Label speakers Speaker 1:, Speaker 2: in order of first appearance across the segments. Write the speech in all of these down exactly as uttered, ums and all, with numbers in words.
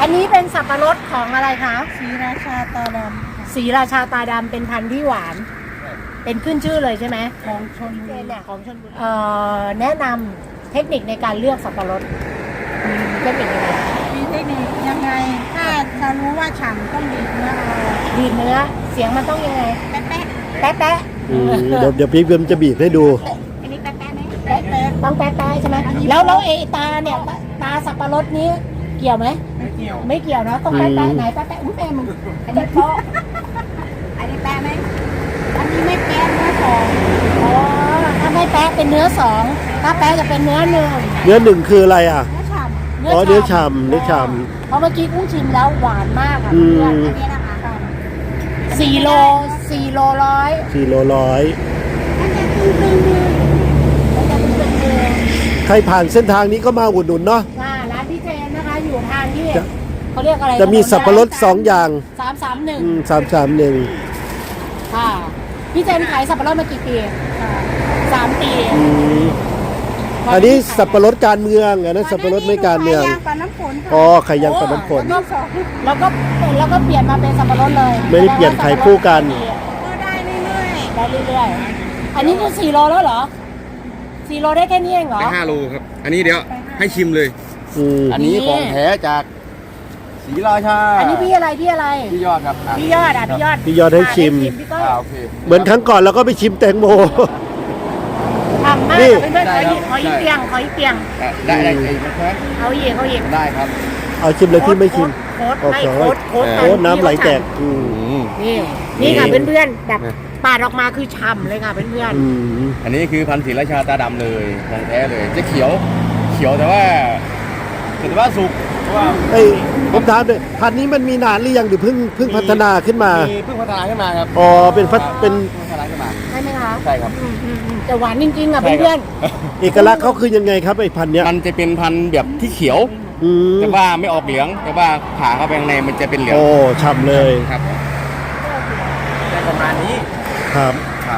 Speaker 1: อันนี้เป็นสับปะรดของอะไรคะ
Speaker 2: ศรีราชาตาดำ
Speaker 1: ศรีราชาตาดำเป็นพันธุ์ที่หวาน เป็นขึ้นชื่อเลยใช่ไหม
Speaker 2: ของชลบุรี
Speaker 1: เนี่ยของชลบุรีเอ่อแนะนำเทคนิคในการเลือกสับปะรดมีเทคนิคยังไง
Speaker 2: มีเทคนิคยังไง ถ้าจะรู้ว่าฉ่ำต้องดีดเนื้อเอา
Speaker 1: ดีดเนื้อเสียงมันต้องยังไง
Speaker 2: แป๊ะแป๊ะ
Speaker 1: แป๊ะแป๊ะ
Speaker 3: อืมเดี๋ยวเดี๋ยวพี่เพิ่มจะบีบให้ดู
Speaker 2: อันนี้แป๊ะแป๊ะไหม
Speaker 1: แป๊ะแป๊ะต้องแป๊ะแป๊ะใช่ไหมแล้วแล้วไอ้ตาเนี่ยตาสับปะรดนี้เกี่ยวไหม
Speaker 2: ไม่เกี่ยว
Speaker 1: ไม่เกี่ยวเนาะต้องแป๊ะแป๊ะไหนแป๊ะแป๊ะอุ้ยแม่มึงอันนี้โป๊ะ
Speaker 2: อันนี้แป๊ะไหมอันนี้ไม่แป๊ะเนื้อสอง
Speaker 1: อ๋อถ้าไม่แป๊ะเป็นเนื้อสองถ้าแป๊ะจะเป็นเนื้อหนึ่ง
Speaker 3: เนื้อหนึ่งคืออะไรอ่ะ
Speaker 2: เนื้อฉ่ำ
Speaker 3: อ๋อเนื้อฉ่ำเนื้อฉ่
Speaker 1: เพราะเมื่อกี้กุ้งชิมแล้วหวานมากอ่ะ
Speaker 3: อืม
Speaker 1: เพื่อน
Speaker 2: อันนี้นะคะฉ่ำ
Speaker 1: สี่โลสี่โลร้อย
Speaker 3: สี่โลร้อย
Speaker 2: มันจะตึงตึงมือ
Speaker 1: มันจะเป็นเนื้อ
Speaker 3: ใครผ่านเส้นทางนี้ก็มาอุดหนุนเนาะ
Speaker 1: อ่าร้านพี่เจนนะคะอยู่ทางที่
Speaker 3: จะ
Speaker 1: เขาเรียกอะไร
Speaker 3: จะมีสับปะรดสองอย่าง
Speaker 1: สามสามหนึ่ง
Speaker 3: สามสามหนึ่ง
Speaker 1: ค่ะพี่เจนขายสับปะรดมากี่ปีสามปี
Speaker 3: อันนี้สับปะรดการเมืองอันนั้นสับปะรดไม่การเมือง
Speaker 2: ไข่ยางปลาน้ำฝนค่ะ
Speaker 3: อ๋อไข่ยางกับน้ำฝน
Speaker 1: แล้วก็แล้วก็แล้วก็เปลี่ยนมาเป็นสับปะรดเลย
Speaker 3: ไม่ได้เปลี่ยนไข่คู่กัน
Speaker 2: ก็ได้เรื่อย
Speaker 1: ได้เรื่อยๆอันนี้คือสี่โลแล้วเหรอสี่โลได้แค่นี้เองเหรอ
Speaker 4: ได้ห้าโลครับ อันนี้เดี๋ยวให้ชิมเลย
Speaker 3: อืม
Speaker 4: อันนี้ของแท้จากศรีราชา
Speaker 1: อันนี้พี่อะไรพี่อะไร
Speaker 4: พี่ยอดครับอ่ะ
Speaker 1: พี่ยอดอ่ะพี่ยอด
Speaker 3: พี่ยอดให้ชิม
Speaker 1: พี่ก้อย
Speaker 4: อ่าโอเค
Speaker 3: เหมือนครั้งก่อนเราก็ไปชิมแตงโม
Speaker 1: ทำมาก
Speaker 3: นี่
Speaker 1: เพื่อนๆขออีกขออีกเตียงขออีกเตียง
Speaker 4: อ่ะได้ได้ไอ้ไหมครับ
Speaker 1: เอาอีกเอาอีก
Speaker 4: ได้ครับ
Speaker 3: เอาชิมเลยที่ไม่ชิม
Speaker 1: โค้ด
Speaker 3: โอ้
Speaker 1: ไม่
Speaker 3: โห
Speaker 1: โค้ดโค้ด
Speaker 4: เออ
Speaker 3: โอ้น้ำไหลแตกอืม
Speaker 4: อืม
Speaker 1: นี่นี่ค่ะ
Speaker 4: นี่
Speaker 1: เพื่อนๆแบบปาดออกมาคือฉ่ำเลยค่ะเพื่อน
Speaker 3: อืม
Speaker 4: อันนี้คือพันธุ์ศรีราชาตาดำเลยของแท้เลย จะเขียว เขียวแต่ว่าแต่ว่าสุกเพราะว่า
Speaker 3: เอ้ยผมถามเลยพันธุ์นี้มันมีนานหรือยังหรือเพิ่งเพิ่งพัฒนาขึ้นมา
Speaker 4: มีเพิ่งพัฒนาขึ้นมาครับ
Speaker 3: อ๋อเป็นพัฒเป็น
Speaker 4: เพิ่งพัฒนาขึ้นมา
Speaker 1: ๆใช่ไหมคะ
Speaker 4: ใช่ครับ
Speaker 1: อืมอืมอืมแต่หวานจริงๆอ่ะ
Speaker 4: ใช่
Speaker 1: เพื่อน
Speaker 4: ครับ
Speaker 3: เอกลักษณ์เขาคือยังไงครับไอ้พันธุ์เนี้ย
Speaker 4: มันจะเป็นพันธุ์แบบที่เขียว
Speaker 3: อืม
Speaker 4: แต่ว่าไม่ออกเหลือง แต่ว่าผ่าเข้าไปข้างในมันจะเป็นเหลือง
Speaker 3: โอ้ฉ่ำเลย
Speaker 4: ครับได้ประมาณนี้
Speaker 3: ครับ
Speaker 4: ครับ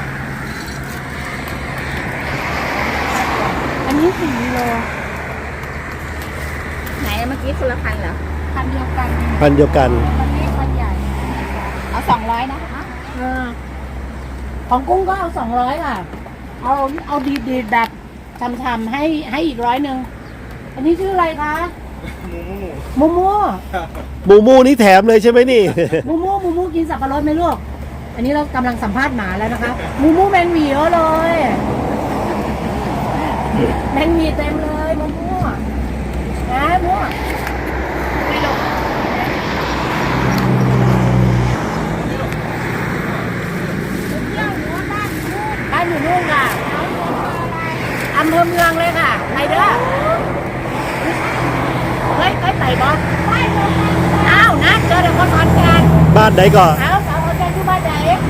Speaker 1: ๆอันนี้สี่กิโล
Speaker 2: ไหนเมื่อกี้คนละพันเหรอ
Speaker 1: พันเดียวกัน
Speaker 3: พันธุ์เดียวกัน
Speaker 1: พันเล็กพันใหญ่
Speaker 2: เอาสองร้อยนะคะ
Speaker 1: เออของกุ้งก็เอาสองร้อยค่ะ เอาเอาดีดีๆแบบชำๆให้ให้อีกร้อยหนึ่งอันนี้ชื่ออะไรคะมูมู
Speaker 3: หมูมูนี่แถมเลยใช่ไหมนี่
Speaker 1: มูมูมูมูกินสับปะรดไหมลูกอันนี้เรากำลังสัมภาษณ์หมาแล้วนะคะมูมูแมงหวีเยอะเลยแมงหวีเต็มเลยมูมูนะมูไม่ลงบ้านอยู่นู่นค่ะอำเภอเมืองเลยค่ะไปเด้อเฮ้ยเฮ้ยไต่บอลอ้าวนะเจอแต่คนขอนแก่น
Speaker 3: บ้านไหนก่อน
Speaker 1: อ้าวสาวขอนแก่นอยู่บ้านไหน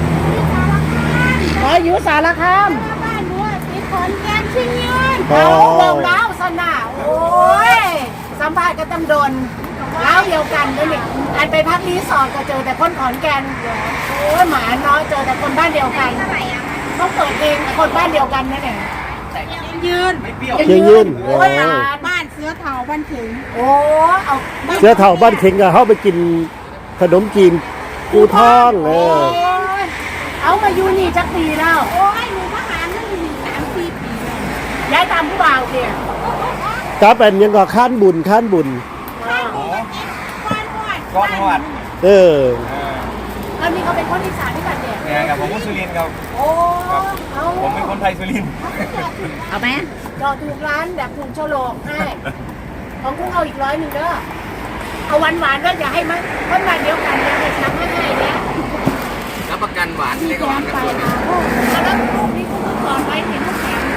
Speaker 1: อ๋ออยู่สารคาม
Speaker 2: บ้านรั้วติดขอนแก่นชิงยืน
Speaker 3: อ๋อ
Speaker 1: เอาเบาเล้าสนาโอ้ยสัมภาษณ์กันตำดนเล้าเดียวกันด้วยนี่อันไปพักรีสอร์ทก็เจอแต่คนขอนแก่นโอ้ยหมาเนาะเจอแต่คนบ้านเดียวกันต้องเปิดเพลงคนบ้านเดียวกันนั่นเอง
Speaker 2: ยืน
Speaker 3: เชียงยืน
Speaker 1: โอ้ยหลาน
Speaker 2: บ้านเสือเถาบ้านถึง
Speaker 1: โอ้เอา
Speaker 3: เสื้อเถ่าบ้านเข็งกับเข้าไปกินขนมจีนกูท่องเอ
Speaker 1: โอ้
Speaker 3: อย
Speaker 1: เอามาอยู่นี่จักปีแล้ว
Speaker 2: โอ้ยหนูทหารนั่นอยู่สามสี่ปีเลย
Speaker 1: ย้ายตามผู้บ่าวเดีย
Speaker 3: ครับเป็นยังก็ข้านบุญข้านบุญ
Speaker 2: บ้านหอด
Speaker 4: ก้อนหอด
Speaker 3: เออ
Speaker 1: แล้วนี่เขาเป็นคนอีสานที่กันเดีย
Speaker 4: เนี่ยครับผมคนสุรินทร์ครับ
Speaker 1: โอ้เอา
Speaker 4: ผมเป็นคนไทยสุรินทร์
Speaker 2: เอาไหม
Speaker 1: จอถูกร้านแบบถูกโฉลกให้ของกุ้งเอาอีกร้อยหนึ่งเด้อเอาหวานหวานๆด้วยอย่าให้มันคนมาเดียวกันอย่าให้ช้ำให้ให้เนี่ย
Speaker 4: รับประกันหวานเล็กหวานกับส่วน
Speaker 1: แล้วลูกนี่กุ้งก่อนไว้เห็นลูกแถม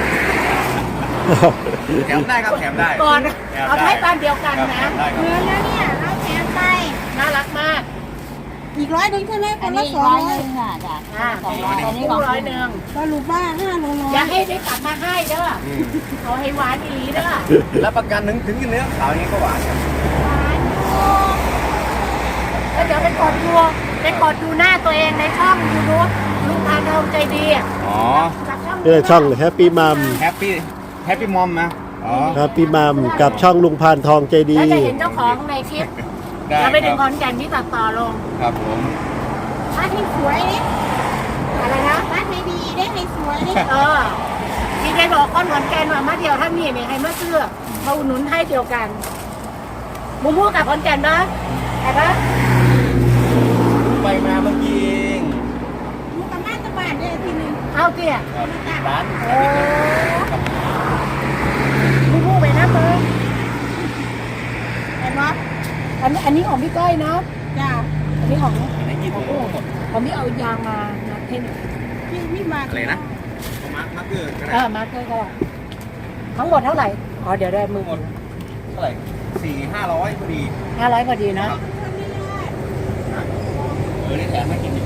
Speaker 4: แถมได้ครับแถมได้
Speaker 1: ก่อนเอาให้บ้านเดียวกันนะ
Speaker 4: ได้ครับ
Speaker 2: เงินแล้วเนี่ยเราแถมไป
Speaker 1: น่ารักมาก
Speaker 2: อีกร้อยหนึ่งใช่ไหมคนละสองร้อย
Speaker 1: อ่ากุ้งร้อยหนึ่ง
Speaker 2: สรุปว่าห้าโลร้อ
Speaker 1: อย่าย ให้ได้กลับมาให้เด้อ
Speaker 4: อืม
Speaker 1: เอาให้หวานอีหลีเด้อ
Speaker 4: รับประกันถึงถึงเนื้อขาวอย่างนี้ก็หวานครับ
Speaker 1: แล้วเดี๋ยวไปกดดูไปกดดูหน้าตัวเองในช่องยูทูบลุงพานทองใจดีอ่ะ
Speaker 4: อ๋อ
Speaker 1: กับช่อง
Speaker 3: เออช่องแฮปปี้มัม
Speaker 4: แฮปปี้แฮปปี้มอมนะอ๋อ
Speaker 3: แฮปปี้มัมกับช่องลุงพานทองใจดี
Speaker 1: แล้วจะเห็นเจ้าของในคลิป
Speaker 4: ได้
Speaker 1: แล้วไปถึง
Speaker 4: ค
Speaker 1: ข
Speaker 4: รับ
Speaker 1: อนแก่นที่ตัดต่อลง
Speaker 4: ครับผม
Speaker 2: บ้านให้สวยดิ
Speaker 1: อะไรนะ
Speaker 2: บ้านให้ดีได้ให้สวยดิ
Speaker 1: เออพี่ได้บอกคนขอนแก่นว่ามาเดียวถ้ามีเนี่ยให้มาเสื้อเขาอุดหนุนให้เดียวกันมูมูกับขอนแก่นนะไอ้ปะ
Speaker 4: ไปมาเมื่อกี้เอง
Speaker 2: อยู่กับบ้านตะบ้านได้ทีนึง
Speaker 1: เข้าเตี้ย
Speaker 4: ครับปิดร้าน
Speaker 1: โอ้มูมูไปนะเบอร์
Speaker 2: เห็นปะ
Speaker 1: อันนี้อันนี้ของพี่ก้อยเนาะ
Speaker 2: จ้า
Speaker 1: อันนี้ของ
Speaker 4: อันนี้กี่ถุงหมด
Speaker 1: ของพี่เอายางมานัดให้หน่อย
Speaker 2: พี่ไม่มา
Speaker 4: อะไรนะเอามาร์คมาร์คเกอร์ก็ได้
Speaker 1: เออมาร์คก็ได้ทั้งหมดเท่าไหร่อ๋อเดี๋ยวได้มือ
Speaker 4: หมดเท่าไหร่สี่ห้าร้อยพอดี
Speaker 1: ห้าร้อยพอดีนะ
Speaker 4: เออนี่แถมให้กินอยู่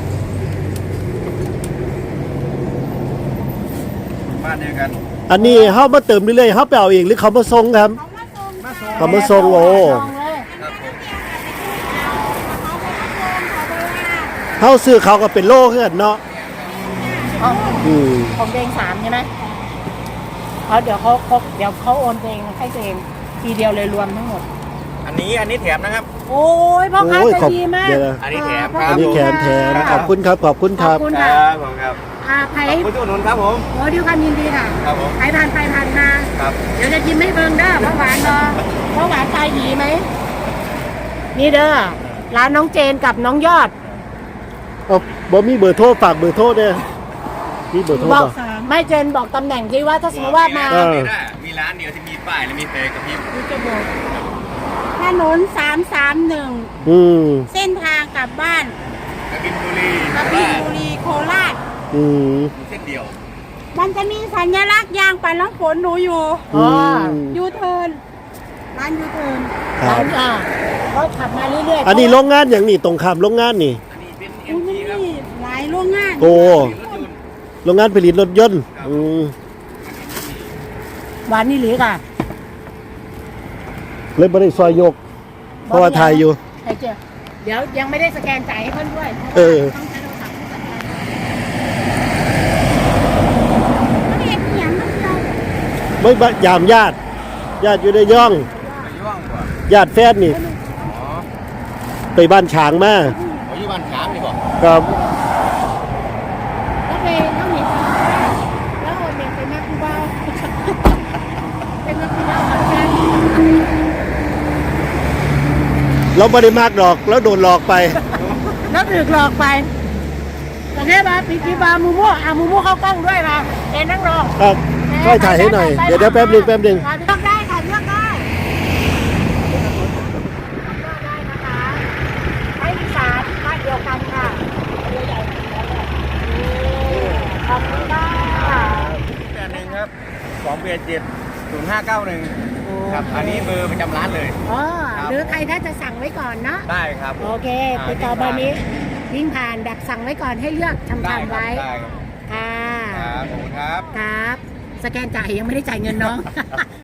Speaker 4: บ้านเดียวกัน
Speaker 3: อันนี้เฮามาเติมเรื่อยๆเฮาไปเอาเองหรือเขามาส่งครับ
Speaker 2: เขามาส่ง
Speaker 4: มาส่ง
Speaker 3: เขามาส่งโอ้
Speaker 1: ส่งเลย
Speaker 4: ครับผม
Speaker 2: เขาไปมาส่งเขาไปว่า
Speaker 3: เฮาซื้อเขาก็เป็นโลคือกันเนาะ
Speaker 1: อ๋อ
Speaker 3: อืม
Speaker 1: ของเดงสามใช่ไหมเขาเดี๋ยวเขาครบเดี๋ยวเขาโอนเองให้ตัวเองทีเดียวเลยรวมทั้งหมด
Speaker 4: อันนี้อันนี้แถมนะครับ
Speaker 1: โอ้ยพ่อค้า
Speaker 3: โอ้ย
Speaker 1: ใจ
Speaker 3: ขอบ
Speaker 1: ดีมาก
Speaker 3: เดี๋ยวนะ
Speaker 4: อันนี้แถมค
Speaker 1: พ่
Speaker 4: รับ
Speaker 3: อันนี้แขนแถมขอบคุณครับขอบคุณ
Speaker 1: ข
Speaker 3: ค
Speaker 1: อ
Speaker 3: รั
Speaker 1: บบ คุณ
Speaker 4: ค
Speaker 1: ค่ะ
Speaker 4: รับผมครับ
Speaker 1: อ่าใคร
Speaker 4: ขอบคุณทุกหนุนครับผม
Speaker 1: โอ้ดิวความยินดีค่ะ
Speaker 4: ครับผม
Speaker 1: ใครผ่านไปผ่านมา
Speaker 4: ครับ
Speaker 1: เดี๋ยวจะกินไม่เบิ่งเด้อเพราะหวานเนาะเพราะหวานตายหยีไหมนี่เด้อร้านน้องเจนกับน้องยอด
Speaker 3: เอาบ่มีเบอร์โทรฝากเบอร์โทรเด้อมีเบอร์โทร
Speaker 1: บอ
Speaker 3: บ่
Speaker 1: กไม่เจนบอกตำแหน่งที่ว่าถ้าสมมติว่ามา
Speaker 3: เออ
Speaker 4: มีร้านเดียวที่มีป้ายและมีเพลงกับพี่
Speaker 1: จะบอก
Speaker 2: ถนนสามสามหนึ่ง
Speaker 3: อืม
Speaker 2: เส้นทางกลับบ้าน
Speaker 4: กบินบุรี
Speaker 2: กบินบุรีโคราช
Speaker 3: อืม
Speaker 4: เส้นเดียว
Speaker 2: มันจะมีสัญลักษณ์ยางปัดน้ำฝนหนูอยู่
Speaker 1: อ๋อ
Speaker 2: ยูเทิร์นร้านยูเทิร์น
Speaker 3: ครั
Speaker 1: ร้า
Speaker 3: บ
Speaker 1: นอ่าเขาขับมาเรื่อยๆ
Speaker 3: อันนี้โรงงานอย่างนี้ตรงข้ามโรงงานนี่
Speaker 4: อันนี้เป็นเอ็
Speaker 2: อุ้
Speaker 4: ม
Speaker 2: ยมัน
Speaker 4: จีครับ
Speaker 2: มีหลายโรงงาน
Speaker 3: โอ้
Speaker 4: รถยนต์
Speaker 3: โรงงานผลิตรถยนต์อืม
Speaker 1: หวานนี่หรือค่ะ
Speaker 3: เลยบ่ได้ซอยยก เพราะว่าถ่ายอยู่
Speaker 1: ไอ้เจ้าเดี๋ยวยังไม่ได้สแกนจ่ายให้เพื่อนด้วย
Speaker 3: เออ
Speaker 1: ต้องใช้โทรศัพท์สแกน
Speaker 2: ไม่เห็นอย่างนั้นเลย
Speaker 3: ไม่บะยามญาติ ญาติอยู่ในย่อง
Speaker 4: ไปย่องกว่า
Speaker 3: ญาติแฟนนี่
Speaker 4: อ๋อ
Speaker 3: ไปบ้านฉางมา
Speaker 4: เขาอยู่บ้านขามนี่บอก
Speaker 3: ครับ
Speaker 1: แล้วไปแล้วหนีไปแล้วโอนเงินไปแม่คูบ้าไปแม่คูบ้าเอาแกน
Speaker 3: เราไม่ได้มากดอกแล้วโดนหลอกไป
Speaker 1: แล้วถูกหลอกไปโอเคป่ะปีกีบามูมูอ่ะมูมูเข้ากล้องด้วยมาเอ็นนั่งรอ
Speaker 3: ครับช่วยถ่ายให้หน่อย เดี๋ยวเดี๋ยวแป๊บหนึงแป๊บหนึง
Speaker 1: เลือกได้ค่ะเลือกได้เลือกได้นะคะให้อีสานบ้านเดียวกันค่ะขอบคุณค่ะ
Speaker 4: แปดหนึ่งครับสองเบียร์เจ็ดศูนย์ห้าเก้าหนึ่งครับ อันนี้เบอร์ประจำร้านเลย
Speaker 1: อ๋อ
Speaker 4: ครับ
Speaker 1: หรือใครถ้าจะสั่งไว้ก่อนเนาะ
Speaker 4: ได้ครับ
Speaker 1: โอเค
Speaker 4: า
Speaker 1: ติดต่อเบอร์นี้วิ่งผ่านแบบสั่งไว้ก่อนให้เลือกทำ
Speaker 4: ได้
Speaker 1: ทำ
Speaker 4: ครับ
Speaker 1: ไว้
Speaker 4: ได้ครับ
Speaker 1: ค่ะ
Speaker 4: ครับขอบคุณครับ
Speaker 1: ครับ สแกนจ่ายยังไม่ได้จ่ายเงินน้อง